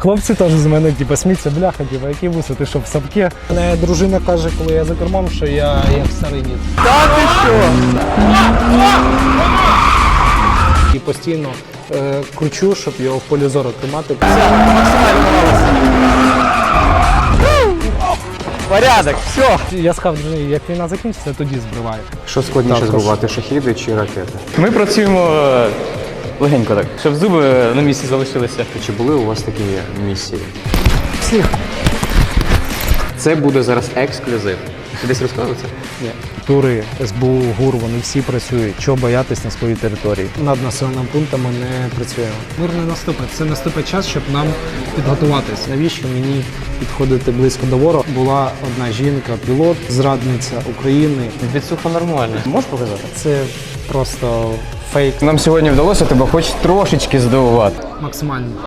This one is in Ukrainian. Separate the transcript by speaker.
Speaker 1: Хлопці теж з мене типу, сміються, бляха, типу, які вуси, ти що, в сапки? Мене дружина каже, коли я за кермом, що я як старий дід.
Speaker 2: Та ти що?
Speaker 1: І постійно кручу, щоб його в полі зору тримати.
Speaker 2: Порядок, все.
Speaker 1: Я сказав дружині, як війна закінчиться, тоді збриваю.
Speaker 3: Що складніше
Speaker 1: Так,
Speaker 3: збивати, шахіди чи ракети?
Speaker 2: Ми працюємо легенько так, щоб зуби на місці залишилися.
Speaker 3: Чи були у вас такі місії?
Speaker 1: Всіх.
Speaker 3: Це буде зараз ексклюзив. Ти десь розказував це?
Speaker 1: Ні. Тури, СБУ, ГУР, вони всі працюють. Чого боятись на своїй території? Над населеними пунктами не працюємо. Мир не наступить. Це наступить час, щоб нам підготуватись. Навіщо мені підходити близько до ворога? Була одна жінка, пілот, зрадниця України.
Speaker 2: Відсуха нормально. Можеш показати?
Speaker 1: Це просто фейк.
Speaker 2: Нам сьогодні вдалося тебе хоч трошечки здивувати.
Speaker 1: Максимально.